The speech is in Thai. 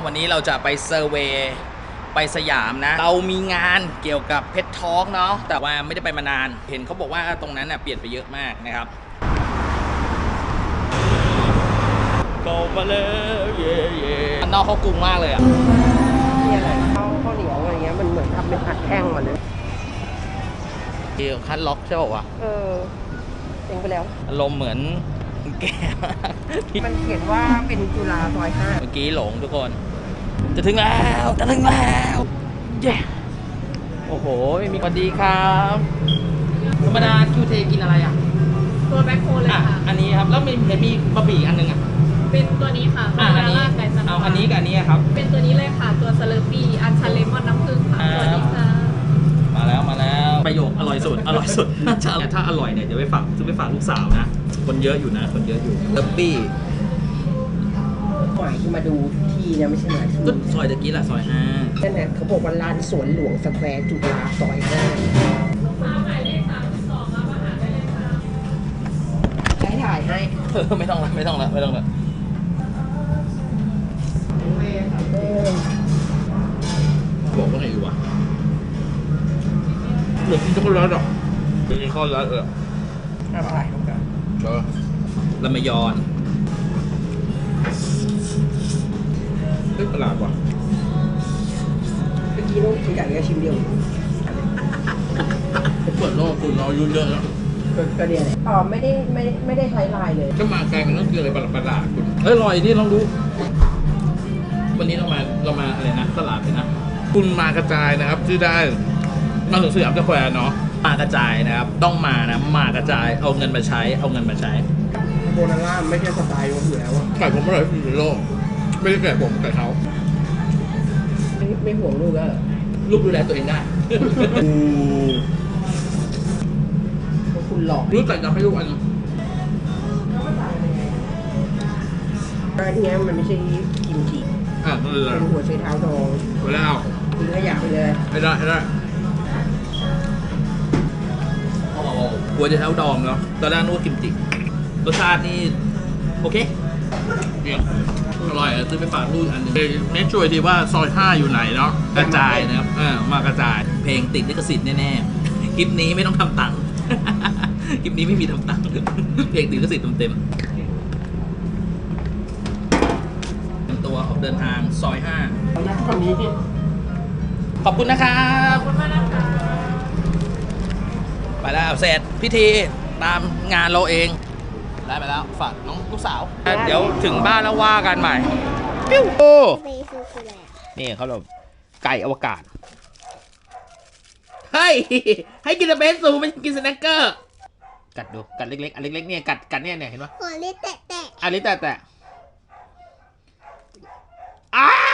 วันนี้เราจะไปเซอร์เวย์ไปสยามนะเรามีงานเกี่ยวกับเพชรทอล์กเนาะแต่ว่าไม่ได้ไปมานานเห็นเขาบอกว่าตรงนั้นเปลี่ยนไปเยอะมากนะครับก็มาแล้วเย่เย่อันนอกเขากรุงมากเลยอ่ะนี่อะไรข้าวเหนียวอะไรเงี้ยมันเหมือนทำเป็นอัดแท่งมาเลยเกี่ยวคัดล็อกใช่ป่าววะเองไปแล้วอารมณ์เหมือนแก่มันเขียนว่าเป็นจุฬาซอย5 เมื่อกี้หลงทุกคนจะถึงแล้วเย้โอ้โหมีสวัสดีครับธรรมดาคิวเทกินอะไรอ่ะตัวแบ็คโฮเลยค่ะอันนี้ครับแล้วมีบะหมี่อันนึงอ่ะเป็นตัวนี้ค่ะอันนี้เอาอันนี้กับอันนี้ครับเป็นตัวนี้เลยค่ะตัวสเลอร์ปี้อันชันเลมอนน้ำผึ้งค่ะตัวนี้ค่ะมาแล้วประโยคอร่อยสุดถ้าอร่อยเนี่ยเดี๋ยวไปฝากซื้อไปฝากลูกสาวนะคนเยอะอยู่สเลอร์ปี้หมายที่มาดูที่เนี่ยไม่ใช่หมายที่ซอยตะกี้ละซอย5 นั่นแหละเขาบอกว่าลานสวนหลวงสแควร์จุฬาซอย5 หมายเลข32มาหาได้เลยค่ะถ่ายให้ไม่ต้องละบอกว่าไงอยู่วะเหมือนกินช็อกโกแลตอ่ะเป็นช็อกโกแลตอะไรครับลำมยอนเฮ้ยประหลาดว่ะเมื่อกี้น้องกินไก่แค่ชิ้นเดียวเปิดโลกคุณเราอายุเยอะแล้วก็เดียวเลยไม่ได้ใช้ลายเลยก็มาไกลมันต้องกินอะไรประหลาดคุณอร่อยที่ลองดูวันนี้เรามาอะไรนะตลาดเลยนะคุณมากระจายนะครับชื่อได้มาถึงสยามสแควร์เนาะมากระจายนะครับต้องมานะมากระจายเอาเงินมาใช้โบนาร่าไม่ใช่สไตล์ผมอยู่แล้วไก่ผมอร่อยที่สุดในโลกไม่ได้ไก่ผมไก่เขาไม่ห่วงลูกแล้วลูกดูแลตัวเองได้คุณหลอกรู้จักจะให้ลูกอันนี้มันไม่ใช่กิมจิเป็นหัวไชเท้าทองไปแล้วทิ้งขยะไปเลยให้ได้หัวไชเท้าดองเนาะตอนแรกนึกว่ากิมจิรสชาตินี่โอเคเนี่ยอร่อยซื้อไปฝากลูกอันนึงเน้นช่วยทีว่าซอย5อยู่ไหนเนาะกระจายนะครับมากระจายเพลงติดลิขสิทธิ์แน่ๆคลิปนี้ไม่ต้องทำตังค์คลิปนี้ไม่มีทำตังค์เพลงติดลิขสิทธิ์เต็มตัวออกเดินทางซอย5 คนนี้ขอบคุณนะครับขอบคุณมากนะคะไปแล้วเสร็จพิธีตามงานเราเองได้ไปแล้วฝากน้องลูกสาวเดี๋ยวถึงบ้านแล้วว่ากันใหม่ปิ้วโอ้นี่เขาแบบไก่อวกาศเฮ้ยให้กินเบสซูไม่กินสแน็คเกอร์กัดดูกัดเล็กๆอันเล็กๆเนี่ยกัดเนี่ยเห็นปะหัวลิ้นแตะอันลิ้นแตะอ้า